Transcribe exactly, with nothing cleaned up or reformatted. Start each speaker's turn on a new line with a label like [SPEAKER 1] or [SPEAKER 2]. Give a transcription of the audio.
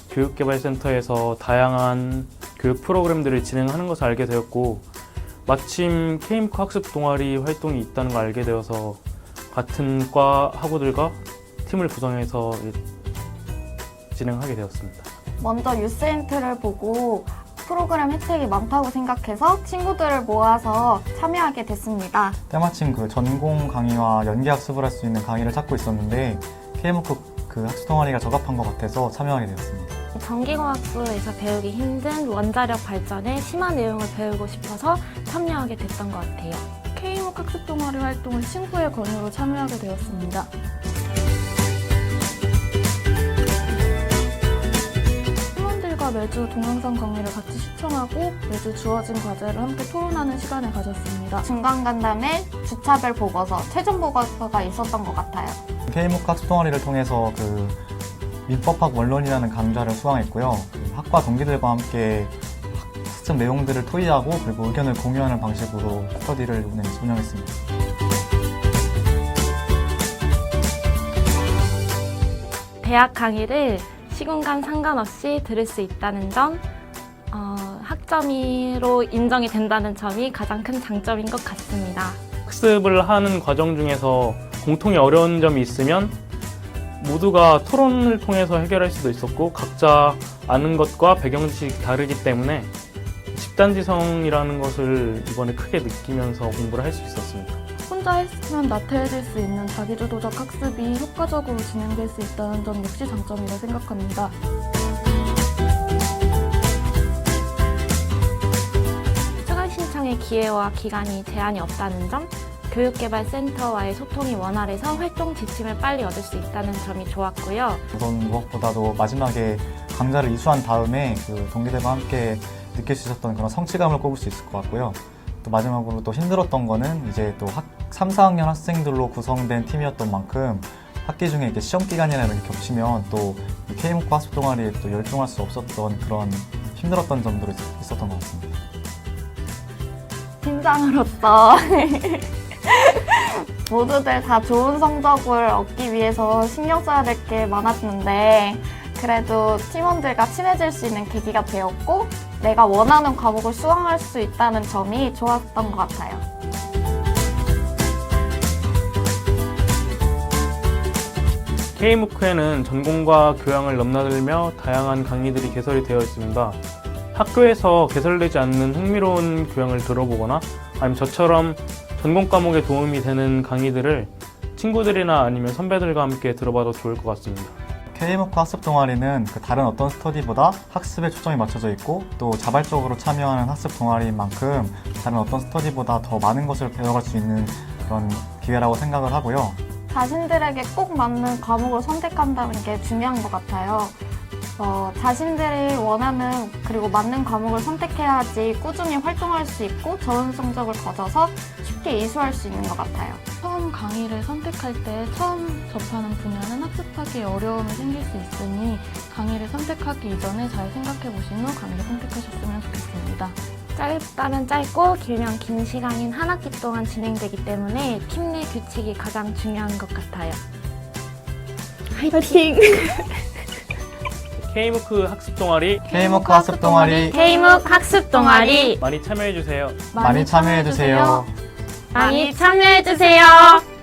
[SPEAKER 1] 교육개발센터에서 다양한 교육 프로그램들을 진행하는 것을 알게 되었고, 마침 케이무크 학습 동아리 활동이 있다는 걸 알게 되어서 같은 과 학우들과 팀을 구성해서 진행하게 되었습니다.
[SPEAKER 2] 먼저 유스엔트를 보고 프로그램 혜택이 많다고 생각해서 친구들을 모아서 참여하게 됐습니다.
[SPEAKER 3] 때마침 그 전공 강의와 연계 학습을 할 수 있는 강의를 찾고 있었는데 케이무크 그 학습 동아리가 적합한 것 같아서 참여하게 되었습니다.
[SPEAKER 4] 전기공학부에서 배우기 힘든 원자력 발전의 심화 내용을 배우고 싶어서 참여하게 됐던 것 같아요.
[SPEAKER 5] 케이무크 학습 동아리 활동을 친구의 권유로 참여하게 되었습니다. 팀원들과 매주 동영상 강의를 같이 시청하고 매주 주어진 과제를 함께 토론하는 시간을 가졌습니다.
[SPEAKER 2] 중간 간담회, 주차별 보고서, 최종 보고서가 있었던 것 같아요.
[SPEAKER 3] 케이무크 학습 동아리를 통해서 그 민법학 원론이라는 강좌를 수강했고요. 그 학과 동기들과 함께 학습 내용들을 토의하고 그리고 의견을 공유하는 방식으로 스터디를 운영했습니다.
[SPEAKER 4] 대학 강의를 시공간 상관없이 들을 수 있다는 점, 어, 학점으로 인정이 된다는 점이 가장 큰 장점인 것 같습니다.
[SPEAKER 1] 학습을 하는 과정 중에서 공통의 어려운 점이 있으면 모두가 토론을 통해서 해결할 수도 있었고, 각자 아는 것과 배경지식이 다르기 때문에 집단지성이라는 것을 이번에 크게 느끼면서 공부를 할 수 있었습니다.
[SPEAKER 5] 혼자 했으면 나태해질 수 있는 자기주도적 학습이 효과적으로 진행될 수 있다는 점 역시 장점이라 생각합니다.
[SPEAKER 4] 추가 신청의 기회와 기간이 제한이 없다는 점, 교육개발센터와의 소통이 원활해서 활동 지침을 빨리 얻을 수 있다는 점이 좋았고요.
[SPEAKER 3] 우선 무엇보다도 마지막에 강좌를 이수한 다음에 그 동기들과 함께 느낄 수 있었던 그런 성취감을 꼽을 수 있을 것 같고요. 또 마지막으로 또 힘들었던 거는 이제 또 학, 삼, 사 학년 학생들로 구성된 팀이었던 만큼 학기 중에 이렇게 시험 기간이나 이런 게 겹치면 또 케이무크 학습 동아리에 또 열중할 수 없었던 그런 힘들었던 점들이 있었던 것 같습니다.
[SPEAKER 2] 팀장으로서 모두들 다 좋은 성적을 얻기 위해서 신경 써야 될 게 많았는데, 그래도 팀원들과 친해질 수 있는 계기가 되었고 내가 원하는 과목을 수강할 수 있다는 점이 좋았던 것 같아요.
[SPEAKER 1] 케이무크에는 전공과 교양을 넘나들며 다양한 강의들이 개설이 되어 있습니다. 학교에서 개설되지 않는 흥미로운 교양을 들어보거나 아니면 저처럼 전공 과목에 도움이 되는 강의들을 친구들이나 아니면 선배들과 함께 들어봐도 좋을 것 같습니다.
[SPEAKER 3] 케이무크 학습 동아리는 그 다른 어떤 스터디보다 학습에 초점이 맞춰져 있고 또 자발적으로 참여하는 학습 동아리인 만큼 다른 어떤 스터디보다 더 많은 것을 배워갈 수 있는 그런 기회라고 생각을 하고요.
[SPEAKER 2] 자신들에게 꼭 맞는 과목을 선택한다는 게 중요한 것 같아요. 어, 자신들이 원하는 그리고 맞는 과목을 선택해야지 꾸준히 활동할 수 있고 좋은 성적을 거둬서 쉽게 이수할 수 있는 것 같아요.
[SPEAKER 5] 처음 강의를 선택할 때 처음 접하는 분야는 학습하기에 어려움이 생길 수 있으니 강의를 선택하기 이전에 잘 생각해 보신 후 강의를 선택하셨으면 좋겠습니다.
[SPEAKER 4] 짧다면 짧고 길면 긴 시간인 한 학기 동안 진행되기 때문에 팀 내 규칙이 가장 중요한 것 같아요. 화이팅!
[SPEAKER 1] 케이무크 학습 동아리
[SPEAKER 3] 케이무크 학습 동아리
[SPEAKER 4] 케이무크 학습 동아리
[SPEAKER 1] 많이 참여해주세요.
[SPEAKER 3] 많이 참여해주세요.
[SPEAKER 4] 많이 참여해주세요.